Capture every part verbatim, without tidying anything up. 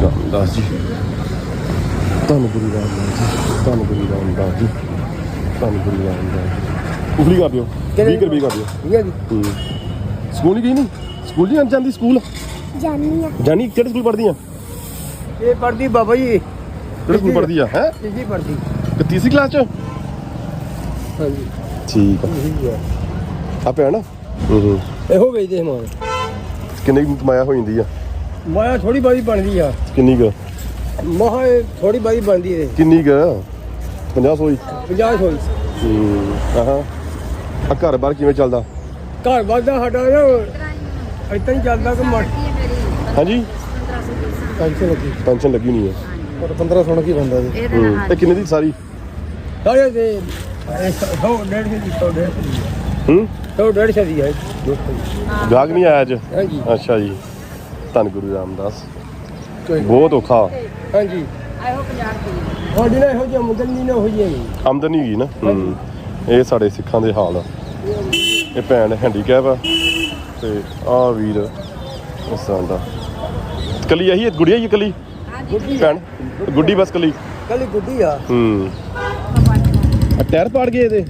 ਰਾਮਦਾਸ ਜੀ, ਧੰਨ ਗੁਰੂ ਰਾਮਦਾਸ ਜੀ, ਧੰਨ ਗੁਰੂ ਰਾਮਦਾਸ ਜੀ, ਧੰਨ ਗੁਰੂ ਰਾਮਦਾਸ। ਉਗਲੀ ਕਰ ਦਿਓ, ਵੀਹ ਕਰ ਵੀਹ ਕਰ ਦਿਓ। ਸਕੂਲ ਨਹੀਂ ਗਈ ਨਹੀਂ? ਸਕੂਲ ਨਹੀਂ ਜਾਂਦੀ? ਸਕੂਲ ਜਾਨੀ ਆ। ਜਾਨੀ? ਕਿਹੜੇ ਸਕੂਲ ਪੜ੍ਹਦੀ ਆ? ਇਹ ਪੜ੍ਹਦੀ ਬਾਬਾ ਜੀ। ਕਿਹੜੇ ਸਕੂਲ ਪੜ੍ਹਦੀ ਆ? ਹੈ ਤੀਜੀ ਪੜ੍ਹਦੀ। ਕਿ ਤੀਸਰੀ ਕਲਾਸ ਚ? ਹਾਂਜੀ ਠੀਕ ਆ। ਆ ਭੈਣ ਹੂੰ ਹੂੰ ਇਹੋ ਵੇਚਦੇ ਸਮਾਨ। ਕਿੰਨੀ ਕੁ ਕਮਾਇਆ ਹੋ ਜਾਂਦੀ ਆ? ਮਾਇਆ ਥੋੜੀ ਬਾਦੀ ਬਣਦੀ ਆ। ਕਿੰਨੀ ਕੁ? ਮਹਾ ਥੋੜੀ ਬਾਦੀ ਬਣਦੀ ਹੈ। ਕਿੰਨੀ ਕੁ? ਪੰਜਾਹ ਸੌ ਹੀ? ਪੰਜਾਹ ਸੌ। ਹੂੰ ਆਹਾਂ। ਆ ਘਰ ਬਾਹਰ ਕਿਵੇਂ ਚੱਲਦਾ? ਘਰ ਬਾਹਰ ਦਾ ਸਾਡਾ ਨਾ ਏਦਾਂ ਹੀ ਚੱਲਦਾ ਕਿ ਮਰ। ਹਾਂਜੀ ਪੈਨਸ਼ਨ ਲੱਗੀ। ਪੈਨਸ਼ਨ ਲੱਗੀ ਨਹੀਂ ਹੈ ਪਰ ਪੰਦਰਾਂ ਸੌ ਕੀ ਬੰਦਾ ਜੀ। ਹੂੰ ਤੇ ਕਿੰਨੇ ਦੀ ਸਾਰੀ? ਸਾਰੇ ਦੇ ਸੌ ਡੇਢ ਸੌ ਦੀ ਸੌ ਡੇਢ ਸੌ ਦੀ। ਹੂੰ ਸੌ ਡੇਢ ਸੌ ਦੀ ਹੈ। ਗਾਹਕ ਨਹੀਂ ਆਇਆ ਅੱਜ? ਹਾਂਜੀ ਅੱਛਾ ਜੀ, ਧੰਨ ਗੁਰੂ ਰਾਮਦਾਸ। ਬਹੁਤ ਔਖਾ ਹਾਂਜੀ। ਆਹੋ ਪੰਜਾਹ ਰੁਪਏ ਸਾਡੀ ਨਾ ਇਹੋ ਜਿਹੀ ਆਮਦਨ ਨਹੀਂ ਨਾ ਹੋ ਜਾਏਗੀ। ਆਮਦਨ ਨਹੀਂ ਗਈ ਨਾ। ਹੂੰ ਇਹ ਸਾਡੇ ਸਿੱਖਾਂ ਦੇ ਹਾਲ ਆ। ਇਹ ਭੈਣ ਹੈਂਡੀਕੈਪ ਆ ਤੇ ਆਹ ਵੀਰ ਇਸ ਤਰ੍ਹਾਂ ਦਾ। ਕੱਲੀ ਆਹੀ ਗੁੜੀਆ ਹੀ ਕੱਲੀ ਭੈਣ? ਗੁੱਡੀ ਬਸ ਕੱਲੀ? ਕੱਲੀ ਗੁੱਡੀ ਆ। ਹੂੰ ਆ ਟਾਇਰ ਪਾੜ ਗਏ ਇਹਦੇ?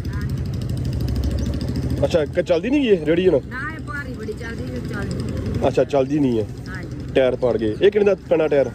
ਅੱਛਾ ਕਿ ਚੱਲਦੀ ਨਹੀਂ ਇਹ ਰੇੜੀ ਹੁਣ? ਨਾ ਇਹ ਭਾਰੀ ਬੜੀ ਚੱਲਦੀ ਹੈ ਚੱਲਦੀ। ਅੱਛਾ ਚੱਲਦੀ ਨਹੀਂ ਹੈ। ਹਾਂਜੀ। ਟਾਇਰ ਪਾੜ ਗਏ। ਇਹ ਕਿੰਨੇ ਦਾ ਪੈਣਾ ਟਾਇਰ?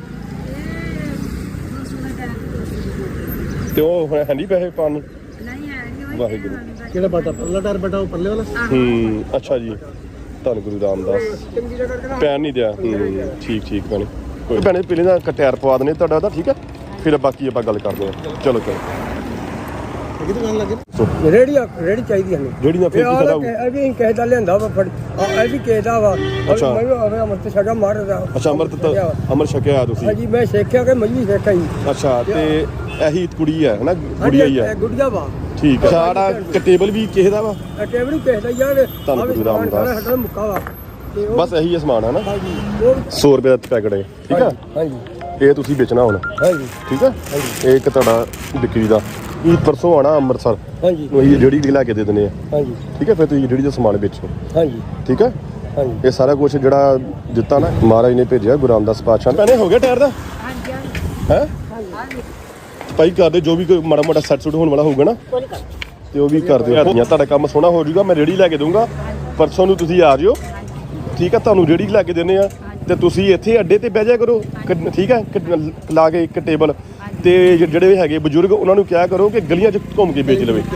ਤੇ ਉਹ ਹੁਣ ਹੈ ਨਹੀਂ ਪੈਸੇ ਪਾਉਣ ਨੂੰ? ਨਹੀਂ ਹੈ ਨਹੀਂ। ਵਾਹਿਗੁਰੂ। ਕਿਹੜਾ ਬਟਾ ਪਰਲਾ ਟਾਇਰ ਬਟਾ ਉਹ ਪਰਲੇ ਵਾਲਾ? ਹੂੰ ਅੱਛਾ ਜੀ, ਧੰਨ ਗੁਰੂ ਰਾਮਦਾਸ। ਪੈਨ ਨਹੀਂ ਦਿਆ? ਹੂੰ ਠੀਕ ਠੀਕ ਭੈਣੇ। ਕੋਈ ਭੈਣੇ ਪਹਿਲੇ ਦਾ ਟਾਇਰ ਪਵਾ ਦਨੇ ਤੁਹਾਡਾ ਉਹਦਾ, ਠੀਕ ਹੈ? ਫਿਰ ਬਾਕੀ ਆਪਾਂ ਗੱਲ ਕਰਦੇ ਹਾਂ। ਚਲੋ ਚਲੋ ਕਿਹਦੀ ਗੱਲ ਲੱਗੇ? ਰੇੜੀ ਰੇੜੀ ਚਾਹੀਦੀ ਸਾਨੂੰ। ਜਿਹੜੀ ਨਾ ਫਿਰ ਕੀ ਕਰਾ? ਇਹ ਵੀ ਕਿਸੇ ਦਾ ਲਿਆਂਦਾ ਵਾ ਫੜ। ਇਹ ਵੀ ਕਿਸੇ ਦਾ ਵਾ। ਅੱਛਾ। ਮੈਂ ਆਵੇ ਅਮਰਤ ਛਕਾ ਮਾਰਦਾ। ਅੱਛਾ ਅੰਮ੍ਰਿਤ ਤਾਂ ਅੰਮ੍ਰਿਤ ਛਕਿਆ ਤੁਸੀਂ? ਹਾਂਜੀ ਮੈਂ ਸਿੱਖਿਆ ਕਿ ਮੱਝੀ ਸਿੱਖਿਆ ਜੀ। ਅੱਛਾ ਤੇ ਇਹੀ ਕੁੜੀ ਹੈ ਨਾ? ਗੁੜੀਆ ਹੀ ਹੈ? ਗੁੜੀਆ ਵਾ। ਠੀਕ ਹੈ। ਸਾਡਾ ਟੇਬਲ ਵੀ ਕਿਸੇ ਦਾ ਵਾ? ਟੇਬਲ ਵੀ ਕਿਸੇ ਦਾ ਯਾਰ। ਧੰਨ ਗੁਰੂ ਰਾਮਦਾਸ। ਸਾਡਾ ਮੁੱਕਾ ਵਾ। ਬਸ ਇਹੀ ਸਮਾਨ ਹੈ ਨਾ? ਹਾਂਜੀ ਉਹ ਸੌ ਰੁਪਏ ਦਾ ਪੈਕਟ ਹੈ, ਠੀਕ ਹੈ? ਹਾਂਜੀ ਇਹ ਤੁਸੀਂ ਵੇਚਣਾ ਹੁਣ, ਹਾਂਜੀ ਠੀਕ ਹੈ? ਇਹ ਇੱਕ ਤੁਹਾਡਾ ਵਿਕਰੀ ਦਾ। ਇਹ ਪਰਸੋਂ ਆਣਾ ਅੰਮ੍ਰਿਤਸਰ, ਹਾਂਜੀ ਉਹੀ ਜਿਹੜੀ ਲੈ ਕੇ ਦੇ ਦਿੰਦੇ ਆ, ਹਾਂਜੀ ਠੀਕ ਹੈ? ਫਿਰ ਤੁਸੀਂ ਜਿਹੜੀ ਦਾ ਸਮਾਨ ਵੇਚੋ, ਹਾਂਜੀ ਠੀਕ ਹੈ? ਹਾਂਜੀ। ਇਹ ਸਾਰਾ ਕੁਝ ਜਿਹੜਾ ਦਿੱਤਾ ਨਾ ਮਹਾਰਾਜ ਨੇ ਭੇਜਿਆ ਗੁਰੂ ਰਾਮਦਾਸ ਪਾਤਸ਼ਾਹ। ਭੈਣੇ ਹੋ ਗਿਆ ਟਾਇਰ ਦਾ? ਹਾਂਜੀ ਹੈ ਭਾਈ ਕਰਦੇ ਜੋ ਵੀ ਕੋਈ ਮਾੜਾ ਮੋਟਾ ਸੈੱਟ ਸੁੱਟ ਹੋਣ ਵਾਲਾ ਹੋਊਗਾ ਨਾ ਤੇ ਉਹ ਵੀ ਕਰ ਦਿਓ। ਤੁਹਾਡਾ ਕੰਮ ਸੋਹਣਾ ਹੋ ਜਾਊਗਾ। ਮੈਂ ਰੇੜੀ ਲੈ ਕੇ ਦਊਂਗਾ ਪਰਸੋਂ ਨੂੰ, ਤੁਸੀਂ ਆ ਜਿਓ, ਠੀਕ ਹੈ? ਤੁਹਾਨੂੰ ਰੇੜੀ ਲੈ ਕੇ ਦਿੰਦੇ ਆ ਤੇ ਤੁਸੀਂ ਇੱਥੇ ਅੱਡੇ ਤੇ ਬਹਿ ਜਾਇਆ ਕਰੋ, ਠੀਕ ਹੈ? ਲਾ ਕੇ ਇੱਕ ਟੇਬਲ ਤੇ ਜਿਹੜੇ ਹੈਗੇ ਬਜ਼ੁਰਗ ਉਹਨਾਂ ਨੂੰ ਕਿਹਾ ਕਰੋ ਕਿ ਗਲੀਆਂ 'ਚ ਘੁੰਮ ਕੇ ਵੇਚ ਲਵੇ।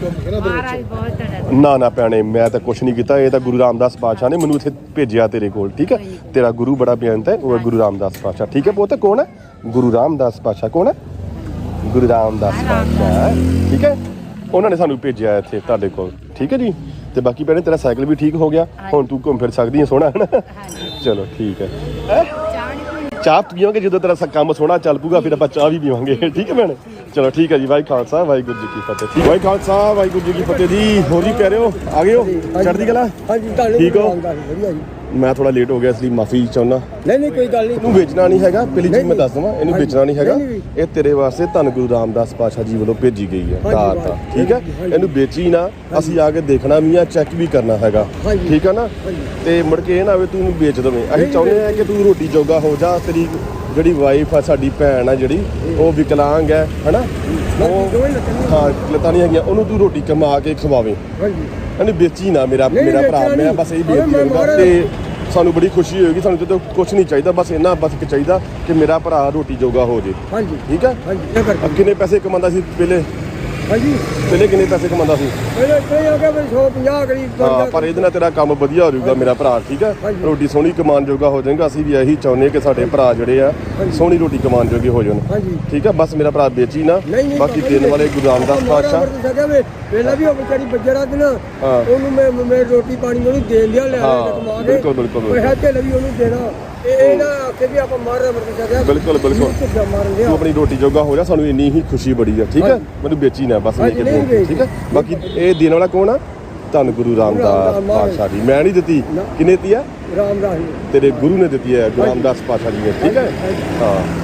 ਨਾ ਨਾ ਭੈਣੇ ਮੈਂ ਤਾਂ ਕੁਛ ਨਹੀਂ ਕੀਤਾ। ਇਹ ਤਾਂ ਗੁਰੂ ਰਾਮਦਾਸ ਪਾਤਸ਼ਾਹ ਨੇ ਮੈਨੂੰ ਇੱਥੇ ਭੇਜਿਆ ਤੇਰੇ ਕੋਲ, ਠੀਕ ਹੈ? ਤੇਰਾ ਗੁਰੂ ਬੜਾ ਬੇਅੰਤ ਹੈ, ਉਹ ਹੈ ਗੁਰੂ ਰਾਮਦਾਸ ਪਾਤਸ਼ਾਹ, ਠੀਕ ਹੈ? ਪੁੱਤ ਕੌਣ ਹੈ? ਗੁਰੂ ਰਾਮਦਾਸ ਪਾਤਸ਼ਾਹ। ਕੌਣ ਹੈ? ਗੁਰੂ ਰਾਮਦਾਸ ਪਾਤਸ਼ਾਹ, ਠੀਕ ਹੈ? ਉਹਨਾਂ ਨੇ ਸਾਨੂੰ ਭੇਜਿਆ ਇੱਥੇ ਤੁਹਾਡੇ ਕੋਲ, ਠੀਕ ਹੈ ਜੀ? ਤੇ ਬਾਕੀ ਭੈਣੇ ਤੇਰਾ ਸਾਈਕਲ ਵੀ ਠੀਕ ਹੋ ਗਿਆ, ਹੁਣ ਤੂੰ ਘੁੰਮ ਫਿਰ ਸਕਦੀ ਹੈ, ਸੋਹਣਾ ਹੈ ਨਾ? ਚਲੋ ਠੀਕ ਹੈ। ਚਾਹ ਪੀਵਾਂਗੇ ਜਦੋਂ ਤੇਰਾ ਕੰਮ ਸੋਹਣਾ ਚੱਲ ਪੂਗਾ, ਫਿਰ ਆਪਾਂ ਚਾਹ ਵੀ ਪੀਵਾਂਗੇ, ਠੀਕ ਹੈ ਭੈਣੇ? ਚਲੋ ਠੀਕ ਹੈ ਜੀ। ਵਾਹਿ ਖਾਲਸਾ ਵਾਹਿਗੁਰੂ ਜੀ ਕੀ ਫਤਿਹ। ਵਾਹਿ ਖਾਲਸਾ ਵਾਹਿਗੁਰੂ ਜੀ ਕੀ ਫਤਿਹ ਜੀ। ਹੋਰ ਜੀ ਪਿਆਰਿਓ ਆ ਗਏ ਹੋ? ਚੜ੍ਹਦੀ ਕਲਾ? ਹਾਂਜੀ ਠੀਕ ਹੋ? ਵਧੀਆ ਜੀ। ਮੈਂ ਥੋੜਾ ਲੇਟ ਹੋ ਗਿਆ ਇਸ ਲਈ ਮਾਫੀ ਚਾਹੁੰਦਾ। ਨਹੀਂ ਨਹੀਂ ਕੋਈ ਗੱਲ ਨਹੀਂ। ਇਹਨੂੰ ਵੇਚਣਾ ਨਹੀਂ ਹੈਗਾ, ਪਹਿਲੀ ਚੀਜ਼ ਮੈਂ ਦੱਸ ਦਵਾਂ, ਇਹਨੂੰ ਵੇਚਣਾ ਨਹੀਂ ਹੈਗਾ। ਇਹ ਤੇਰੇ ਵਾਸਤੇ ਧੰਨ ਗੁਰੂ ਰਾਮਦਾਸ ਪਾਤਸ਼ਾਹ ਜੀ ਵੱਲੋਂ ਭੇਜੀ ਗਈ ਹੈ ਕਾਰ ਦਾ, ਠੀਕ ਹੈ? ਇਹਨੂੰ ਵੇਚੀ ਨਾ, ਅਸੀਂ ਆ ਕੇ ਦੇਖਣਾ ਵੀ ਆ, ਚੈੱਕ ਵੀ ਕਰਨਾ ਹੈਗਾ, ਠੀਕ ਹੈ ਨਾ? ਤੇ ਮੁੜ ਕੇ ਇਹ ਨਾ ਹੋਵੇ ਤੂੰ ਇਹਨੂੰ ਵੇਚ ਦੇਵੇਂ। ਅਸੀਂ ਚਾਹੁੰਦੇ ਆ ਕਿ ਤੂੰ ਰੋਟੀ ਜੋਗਾ ਹੋ ਜਾ। ਤੇਰੀ ਜਿਹੜੀ ਵਾਈਫ ਆ, ਸਾਡੀ ਭੈਣ ਆ ਜਿਹੜੀ, ਉਹ ਵਿਕਲਾਂਗ ਹੈ ਹਨਾ? ਉਹ ਹਾਂ ਲੱਤਾਂ ਨਹੀਂ ਹੈਗੀਆਂ, ਉਹਨੂੰ ਤੂੰ ਰੋਟੀ ਕਮਾ ਕੇ ਖਵਾਵੇਂ। ਇਹਨੂੰ ਵੇਚੀ ਨਾ ਮੇਰਾ ਮੇਰਾ ਭਰਾ। ਮੈਂ ਬਸ ਇਹ ਬੇਨਤੀ ਕਰੂੰਗਾ ਤੇ ਸਾਨੂੰ ਬੜੀ ਖੁਸ਼ੀ ਹੋਏਗੀ। ਸਾਨੂੰ ਜਦੋਂ ਕੁਛ ਨਹੀਂ ਚਾਹੀਦਾ, ਬਸ ਇੰਨਾ ਬਸ ਇੱਕ ਚਾਹੀਦਾ ਕਿ ਮੇਰਾ ਭਰਾ ਰੋਟੀ ਜੋਗਾ ਹੋ ਜੇ, ਹਾਂਜੀ ਠੀਕ ਹੈ? ਹਾਂਜੀ। ਕਿੰਨੇ ਪੈਸੇ ਕਮਾਉਂਦਾ ਸੀ ਪਹਿਲੇ? ਹਾਂਜੀ ਪਹਿਲੇ ਕਿੰਨੇ ਪੈਸੇ ਕਮਾਉਂਦਾ ਸੀ? ਪਹਿਲੇ ਕੋਈ ਆ ਗਿਆ ਵੀ ਸੌ ਪੰਜਾਹ ਕਰੀਬ। ਹਾਂ ਪਰ ਇਹਦੇ ਨਾਲ ਤੇਰਾ ਕੰਮ ਵਧੀਆ ਹੋ ਜਾਊਗਾ ਮੇਰਾ ਭਰਾ, ਠੀਕ ਹੈ? ਰੋਟੀ ਸੋਹਣੀ ਕਮਾਉਣ ਜੋਗਾ ਹੋ ਜਾਏਗਾ। ਅਸੀਂ ਵੀ ਇਹੀ ਚਾਹੁੰਦੇ ਕਿ ਸਾਡੇ ਭਰਾ ਜਿਹੜੇ ਆ ਸੋਹਣੀ ਰੋਟੀ ਕਮਾਉਣ ਜੋਗੇ ਹੋ ਜਾਣ, ਠੀਕ ਹੈ? ਬਸ ਮੇਰਾ ਭਰਾ ਵੇਚੀ ਨਾ। ਬਾਕੀ ਦੇਣ ਵਾਲੇ ਗੁਰੂ ਰਾਮਦਾਸ ਪਾਤਸ਼ਾਹ ਪਹਿਲਾਂ ਵੀ ਉਹ ਵਿਚਾਰੀ ਬੱਜਰਾ ਦਿਨ ਉਹਨੂੰ ਮੈਂ ਮੈਂ ਰੋਟੀ ਪਾਣੀ ਉਹਨੂੰ ਦੇਣ ਦਿਆ ਲੈ ਕਮਾ ਕੇ। ਬਿਲਕੁਲ ਬਿਲਕੁਲ ਪੈਸਾ ਤੇ ਵੀ ਉਹਨੂੰ ਦੇਣਾ। ਇਹ ਨਾ ਆਖੇ ਵੀ ਆਪਾਂ ਮਾਰ ਮਰ ਕੇ ਬਿਲਕੁਲ ਬਿਲਕੁਲ ਤੂੰ ਆਪਣੀ ਰੋਟੀ ਜੋਗਾ ਹੋ ਜਾ। ਸਾਨੂੰ ਇੰਨੀ ਹੀ ਖੁਸ਼ੀ ਬੜੀ ਆ, ਠੀਕ ਹੈ? ਮੈਨੂੰ ਵੇਚੀ ਨਾ ਬਸ, ਠੀਕ ਹੈ? ਬਾਕੀ ਇਹ ਦੇਣ ਵਾਲਾ ਕੌਣ ਆ? ਧੰਨ ਗੁਰੂ ਰਾਮਦਾਸ ਪਾਤਸ਼ਾਹ ਜੀ। ਮੈਂ ਨਹੀਂ ਦਿੱਤੀ, ਕਿੰਨੇ ਦਿੱਤੀ ਆ? ਰਾਮਦਾਸ ਤੇਰੇ ਗੁਰੂ ਨੇ ਦਿੱਤੀ ਹੈ, ਗੁਰੂ ਰਾਮਦਾਸ ਪਾਤਸ਼ਾਹ ਜੀ ਨੇ, ਠੀਕ ਹੈ? ਹਾਂ